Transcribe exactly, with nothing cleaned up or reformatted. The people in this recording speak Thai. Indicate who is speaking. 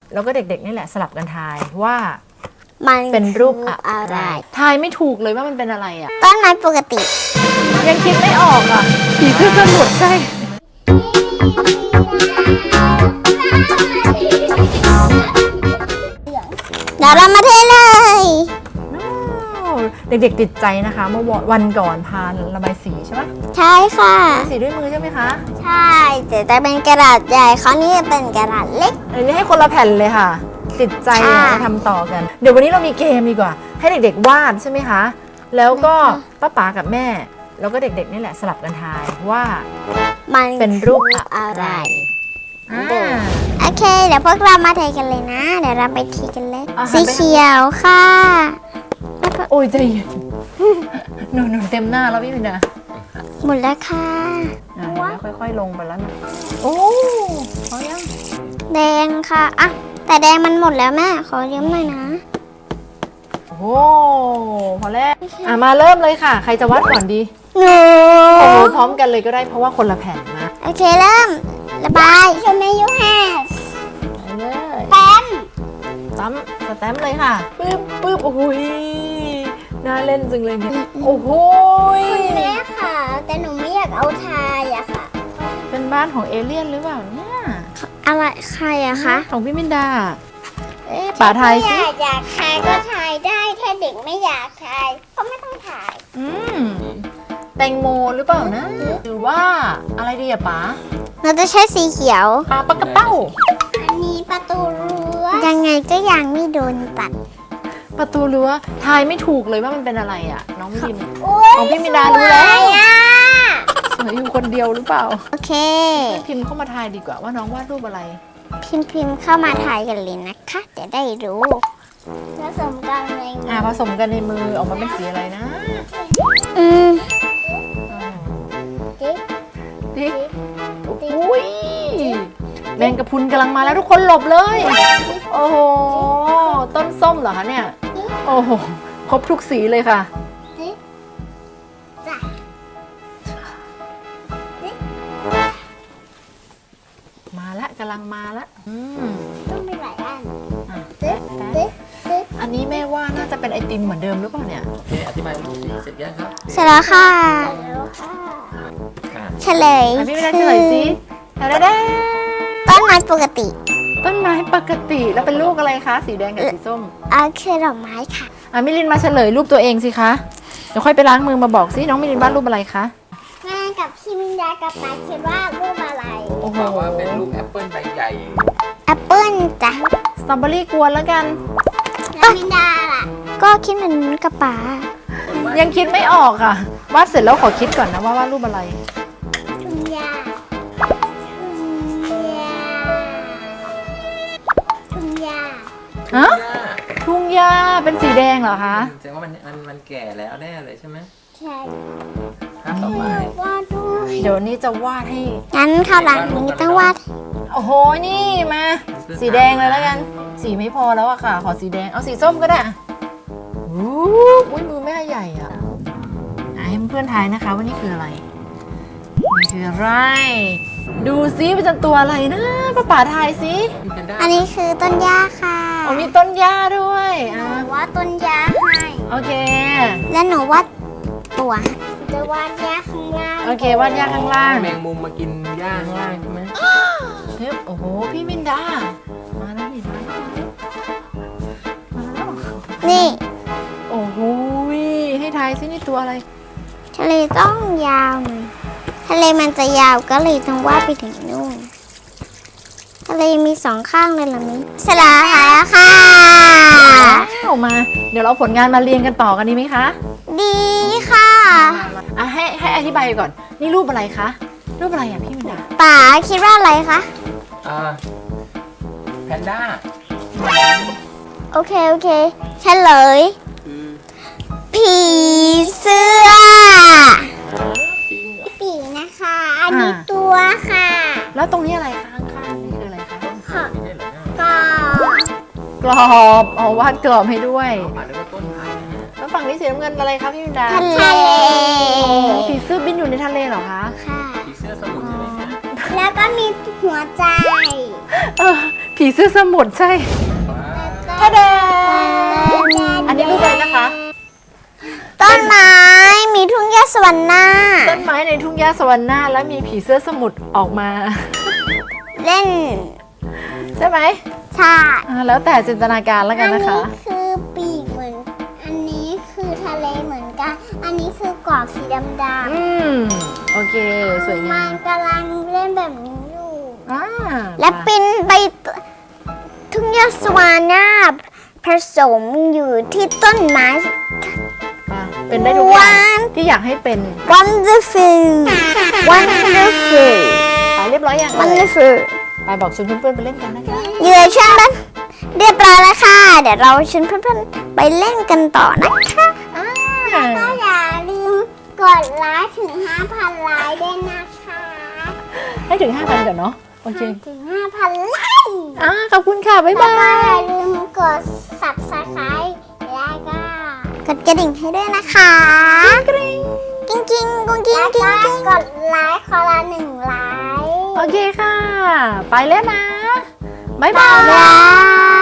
Speaker 1: แล้วก็เด็กๆนี่แหละสลับกันทายว่า
Speaker 2: มัน
Speaker 1: เป็นรูป
Speaker 2: คือ
Speaker 1: อะ
Speaker 2: อะไร ไร
Speaker 1: ทายไม่ถูกเลยว่ามันเป็นอะไรอ่ะ
Speaker 2: ต้นไม้ปกติ
Speaker 1: ยังคิดไม่ออกอ่ะผีเสื้อสมุทรใช่
Speaker 2: เดี๋ยวเรามาเทเลย
Speaker 1: เด็กๆติดใจนะคะเมื่อวันก่อนพาระบายสีใช่ไหม
Speaker 2: ใช่ค่ะ
Speaker 1: สีด้วยมือใช่ไหมคะ
Speaker 2: ใช่แต่จะเป็นกระดาษใหญ่เขาวนี่จะเป็นกระดาษเล็ก
Speaker 1: อันนี้ให้คนละแผ่นเลยค่ะ ติดใจ
Speaker 2: ใช่
Speaker 1: อยากจะทำต่อกัน เดี๋ยววันนี้เรามีเกมดีกว่า ให้เด็กๆวาดใช่ไหมคะ แล้วก็ป้าป๋ากับแม่ แล้วก็เด็กๆนี่แหละสลับกันทายว่า
Speaker 2: มัน
Speaker 1: เป็นรูป
Speaker 2: คือ
Speaker 1: อะ
Speaker 2: อะไร ไร
Speaker 1: อ่า
Speaker 2: โอเค เดี๋ยวพวกเรามาเทกันเลยนะ เดี๋ยวเราไปทีกันเลย
Speaker 1: อ่ะ
Speaker 2: สีเขียวค่ะแล้วก็
Speaker 1: โอ้ยใจเย็น หนูหนูเต็มหน้าแล้วพี่พินดา
Speaker 2: หมดแล้วค่ะ
Speaker 1: อ่ะเห็นไหมค่อยๆลงไปแล้วนะโอ้พอยัง
Speaker 2: แดงค่ะอ่ะแต่แดงมันหมดแล้วแม่ ขอยืมหน่อยนะ
Speaker 1: โอ้พอแล้วอ่ะมาเริ่มเลยค่ะ ใครจะวาดก่อนดี
Speaker 2: หนู
Speaker 1: โอ้โหพร้อมกันเลยก็ได้เพราะว่าคนละแผ่นนะ
Speaker 2: โอเคเริ่ม ระบายชมยูแฮส
Speaker 1: ไปเลย
Speaker 2: แป้ม
Speaker 1: ตั้มสแตมป์เลยค่ะปึ๊บปึ๊บโอ้โหยน่าเล่นจังเลยเนี่ยโอ้โหย
Speaker 2: แม่ค่ะ แต่หนูไม่อยากเอาทายอะค่ะ
Speaker 1: เป็นบ้านของเอเลี่ยนหรือเปล่าเนี่ย
Speaker 2: อะไรใครอะคะ
Speaker 1: ของพี่มินดา เอ๊ะป่าไทย
Speaker 2: อ
Speaker 1: สิ
Speaker 2: ยากอยากทายก็ทายได้ถ้าเด็กไม่อยากทายก็ไม่ต้องทาย
Speaker 1: อืมแตงโมหรือเปล่านะ หรือว่าอะไรดีอะป๋า
Speaker 2: เราจะใช้สีเขียว
Speaker 1: ปลาปลากระเป้า
Speaker 2: อันนี้ประตูรั้วยังไงก็ยังไม่โดนตัด
Speaker 1: ประตูรั้วทายไม่ถูกเลยว่ามันเป็นอะไรอะน้องมิน ของพี่มินดารู้แล้ว
Speaker 2: สยอะ
Speaker 1: สวยอยู่คนเดียวหรือเปล่า
Speaker 2: โอเค
Speaker 1: พิมพ์เข้ามาทายดีกว่าว่าน้องวาดรูปอะไร
Speaker 2: พิมพ์พิมพ์เข้ามาถ่ายกันเลยนะคะจะได้รู้ผสมกันเลย
Speaker 1: อ่าผสมกันในมือออกมาเป็นสีอะไรนะ
Speaker 2: อืม
Speaker 1: ติ๊กติ๊กอุ้ยแมงกะพรุนกำลังมาแล้วทุกคนหลบเลย โอ้โห ต้นส้มเหรอคะเนี่ย โอ้โห ครบทุกสีเลยค่ะ
Speaker 2: จ้ะ
Speaker 1: มาละกำลังมาละอืม
Speaker 2: ต้องมีหลายอัน
Speaker 1: อ่ะ
Speaker 2: ตึ๊
Speaker 1: แปะ
Speaker 2: ดตึ๊ด
Speaker 1: แปะ
Speaker 2: ตึ๊ด
Speaker 1: อันนี้แม่ว่าน่าจะเป็นไอติมเหมือนเดิมหรือเปล่าเนี่ย
Speaker 3: โอเคอธิบายรูปสีเสร็จยังครับ
Speaker 2: เสร็จแล้วค่ะ
Speaker 3: อ่ะ
Speaker 2: เฉลย
Speaker 1: อ่ะพี่ไม่ได้เฉลยสิดาดาดา
Speaker 2: ต้นไม้ปกติ
Speaker 1: ต้นไม้ปกติแล้วเป็นลูกอะไรคะ สีแดงกับสีส้ม
Speaker 2: เอาคือดอกไม้ค่ะ
Speaker 1: อ่ะมิลินมาเฉลยรูปตัวเองสิคะ เดี๋ยวค่อยไปล้างมือมาบอกสิน้องมิลินวาดรูปอะไรคะ
Speaker 2: แม่กับพี่มินดากับป๊าคิดว่ารูปอะไร
Speaker 1: โอ้โห
Speaker 3: บอกว่าเป็นรูปแอปเปิลใบใหญ่
Speaker 2: แอปเปิ้ลจ้ะ
Speaker 1: สตรอเบอรี่กวนแล้วกัน
Speaker 2: แล้วมินดาล่ะ ก็คิดเหมือนกับป๊า
Speaker 1: ยังคิดไม่ออกค่ะ วาดเสร็จแล้วขอคิดก่อนนะว่าวาดรูปอะไร
Speaker 2: ทุ่งหญ้าทุ่งหญ้า
Speaker 1: ฮะ ทุ่งหญ้าเป็นสีแดงเหรอคะ
Speaker 3: แสดงว่ามันมันมันแก่แล้วแน่เลยใช่ไหม
Speaker 2: ใช่
Speaker 3: ครับต่อไป
Speaker 2: วาดด้วย
Speaker 1: เดี๋ยวนี้จะวาดให้
Speaker 2: งั้นข้าวหลังนี้ต้องวาด
Speaker 1: โอ้โห นี่มา สีแดงเลยแล้วกัน สีไม่พอแล้วอะค่ะ ขอสีแดง เอาสีส้มก็ได้อะอู้อุ้ยมือแม่ใหญ่อะอ่ะให้เพื่อนๆทายนะคะว่านี่คืออะไร นี่คืออะไร ดูซิเป็นจันตัวอะไรนะป้าป๋าทายสิ
Speaker 3: พี่เพนด้า
Speaker 2: อันนี้คือต้นหญ้าค่ะ
Speaker 1: อ๋อมีต้นหญ้าด้วยอ่ะ
Speaker 2: หนูวาดต้นหญ้าให้
Speaker 1: โอเค
Speaker 2: และหนูวาดตัวจะวาดหญ้าข้างล่าง
Speaker 1: โอเควาดหญ้าข้างล่าง
Speaker 3: แมงมุมมากินหญ้าข้างล่างใช่ไหม
Speaker 1: เฮ้ยโอ้โห พี่มินดา มาแล้วนี่มาแล้วมาแล้ว
Speaker 2: นี่
Speaker 1: โอ้โหให้ทายซินี่ตัวอะไร
Speaker 2: ทะเลต้องยาวหน่อยทะเลมันจะยาวก็เลยต้องวาดไปถึงนู่น ทะเลมีสองข้างเลยเหรอมิ้นสลายแล้วค่ะ
Speaker 1: ออกมา เดี๋ยวเราผลงานมาเรียงกันต่อกันดีไหมคะ
Speaker 2: ดีค่ะ
Speaker 1: อ่ะให้ให้อธิบายก่อน นี่รูปอะไรคะ รูปอะไรอ่ะพี่มินดา
Speaker 2: ป๋าคิดว่าอะไรคะ
Speaker 3: อ่าแพนด้า
Speaker 2: โอเค โอเคเฉลย
Speaker 3: คือ
Speaker 2: ผีเสื้อปีนะคะ อันนี้ตัวค่ะ
Speaker 1: แล้วตรงนี้อะไรคะข้างๆนี่คืออะไรคะ
Speaker 2: ค่ะ
Speaker 3: ไม่ใช่เหรอเนี่ย
Speaker 2: ก็
Speaker 1: กรอบอ๋อวาดกรอบให้ด้วย
Speaker 3: อ่านเรียกว่าต้นไผ่นะฮะ
Speaker 1: แล้วฝั่งนี้สีน้ำเงินอะไรคะพี่มินดา
Speaker 2: ทะเล
Speaker 1: อ๋อผีเสื้อบินอยู่ในทะเลเหรอคะ
Speaker 2: ค่ะ
Speaker 3: ผีเสื้อสมุทรใช่ไหมฮะ
Speaker 2: แล้วก็มีหัวใจ
Speaker 1: เออผีเสื้อสมุทรใช่ท่าแดงอันนี้รูปอะไรนะคะ
Speaker 2: ต้นไม้มีทุ่งหญ้าสวรรค์หน้า
Speaker 1: ต้นไม้ในทุ่งหญ้าสวรรค์หน้าแล้วมีผีเสื้อสมุทรออกมา
Speaker 2: เล่น
Speaker 1: ใช่ไหม
Speaker 2: ชา
Speaker 1: อ่าแล้วแต่จินตนาการแล้วกันนะคะ
Speaker 2: คือปีกเหมือนอันนี้คือทะเลเหมือนกัน อันนี้คือกรอบสีดำ
Speaker 1: อืมโอเคสวย
Speaker 2: ๆ
Speaker 1: งา
Speaker 2: มั
Speaker 1: ม
Speaker 2: นกำลังเล่นแบบนี้อยู่
Speaker 1: อ่า
Speaker 2: และปินไปทุ่งหญ้าสวรรค์หน้าผสมอยู่ที่ต้นไม้
Speaker 1: อ่ะเป็นได้ทุกอย่าง
Speaker 2: วัน
Speaker 1: ที่อยากให้เป็น
Speaker 2: wonderful wonderful
Speaker 1: ไปเรียบร้อยยัง
Speaker 2: wonderful
Speaker 1: ไปบอกชวนเพื่อนๆไปเล่นกันนะคะ
Speaker 2: เหยื่อชวนเพื่อนเรียบร้อยแล้วค่ะ เดี๋ยวเราชวนเพื่อนๆไปเล่นกันต่อนะคะ
Speaker 1: อ่า
Speaker 2: ก็อย่าลืมกดไลค์ถึง ห้าพัน ไลค์ด้วยนะคะ
Speaker 1: ให้ถึง ห้าพัน ก่อนเนาะโอเค
Speaker 2: ถึง ห้าพัน ไลค์
Speaker 1: อ่าขอบคุณค่ะบ๊าย
Speaker 2: แล้ว
Speaker 1: บา
Speaker 2: ก็อย ย่าลืมกด subscribe แล้วก็กดกระดิ่งให้ด้วยนะคะกริ๊งกริ๊งกริ๊งกุ้งกิ้งกิ้งกิ้งกดไลค์คนละหนึ่งไลค์
Speaker 1: โอเคค่ะ ไปแล้วนะบ๊ายบา
Speaker 2: บ๊าย
Speaker 1: ย
Speaker 2: บาย